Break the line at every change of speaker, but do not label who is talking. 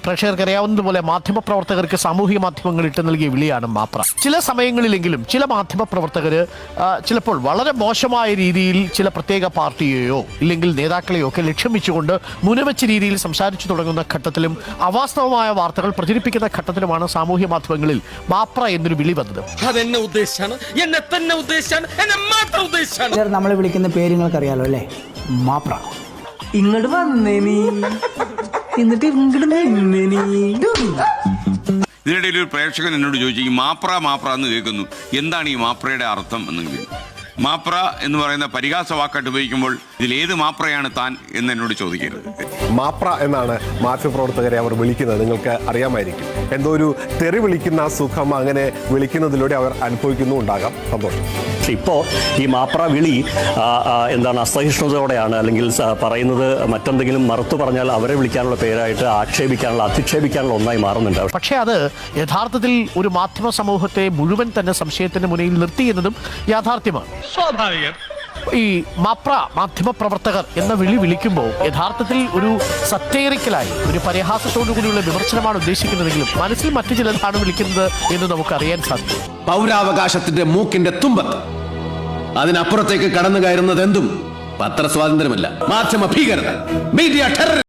പ്രേക്ഷകർക്ക് അറിയാവുന്നതുപോലെ മാധ്യമപ്രവർത്തകർക്ക് സാമൂഹിക മാധ്യമങ്ങൾ ഇട്ട് നൽകിയ വിളിയാണ് മാപ്ര. ചില സമയങ്ങളിലെങ്കിലും ചില മാധ്യമപ്രവർത്തകർ ചിലപ്പോൾ വളരെ മോശമായ രീതിയിൽ ചില പ്രത്യേക പാർട്ടിയെയോ ഇല്ലെങ്കിൽ നേതാക്കളെയോ ഒക്കെ ലക്ഷ്യം വെച്ചുകൊണ്ട് മുനവെച്ച രീതിയിൽ സംസാരിച്ചു തുടങ്ങുന്ന ഘട്ടത്തിലും അവാസ്തവമായ വാർത്തകൾ പ്രചരിപ്പിക്കുന്ന ഘട്ടത്തിലുമാണ് സാമൂഹ്യ മാധ്യമങ്ങളിൽ മാപ്ര എന്നൊരു വിളി വന്നത്.
നമ്മളെ വിളിക്കുന്ന പേര് നിങ്ങൾക്ക് അറിയാലോ അല്ലേ? മാപ്ര.
ഇങ്ങോട്ട് വന്നേനി എന്നിട്ട്
ഇതിനിടയിൽ ഒരു പ്രേക്ഷകൻ എന്നോട് ചോദിച്ചു, ഈ മാപ്ര എന്ന് കേൾക്കുന്നു, എന്താണ് ഈ മാപ്രയുടെ അർത്ഥം എന്നെങ്കിലും. മാപ്ര എന്ന് പറയുന്ന പരിഹാസ വാക്കായിട്ട് ഉപയോഗിക്കുമ്പോൾ ഇതിലേത് മാപ്രയാണ് താൻ എന്ന് എന്നോട് ചോദിക്കരുത്.
മാപ്ര എന്നാണ് മാധ്യമപ്രവർത്തകരെ അവർ വിളിക്കുന്നത്. നിങ്ങൾക്ക് അറിയാമായിരിക്കും, എന്തോ ഒരു തെറി വിളിക്കുന്ന സുഖം അങ്ങനെ വിളിക്കുന്നതിലൂടെ അവർ അനുഭവിക്കുന്നുണ്ടാകാം. സന്തോഷം.
ഇപ്പോൾ ഈ മാപ്ര വിളി എന്താണ് അസഹിഷ്ണുതയോടെയാണ്, അല്ലെങ്കിൽ പറയുന്നത് മറ്റെന്തെങ്കിലും മറുത്തു പറഞ്ഞാൽ അവരെ വിളിക്കാനുള്ള പേരായിട്ട് ആക്ഷേപിക്കാനുള്ള അധിക്ഷേപിക്കാനുള്ള ഒന്നായി മാറുന്നുണ്ട്.
പക്ഷേ അത് യഥാർത്ഥത്തിൽ ഒരു മാധ്യമ സമൂഹത്തെ മുഴുവൻ തന്നെ സംശയത്തിന് മുന്നിൽ നിർത്തി എന്നതും യാഥാർത്ഥ്യമാണ്.
സ്വാഭാവികം.
ഈ മാപ്ര മാധ്യമപ്രവർത്തകർ എന്ന വിളി വിളിക്കുമ്പോൾ യഥാർത്ഥത്തിൽ ഒരു സറ്റേറിക്കലായി ഒരു പരിഹാസത്തോടു കൂടിയുള്ള വിമർശനമാണ് ഉദ്ദേശിക്കുന്നതെങ്കിലും മനസ്സിൽ മറ്റു ചിലതാണ് വിളിക്കുന്നത് എന്ന് നമുക്കറിയാൻ സാധിക്കും.
പൗരാവകാശത്തിന്റെ മൂക്കിന്റെ തുമ്പത്ത് അതിനപ്പുറത്തേക്ക് കടന്നു കയറുന്നത് എന്തും പത്രസ്വാതന്ത്ര്യമല്ല, മാധ്യമ ഭീകരത, മീഡിയ ടെറർ.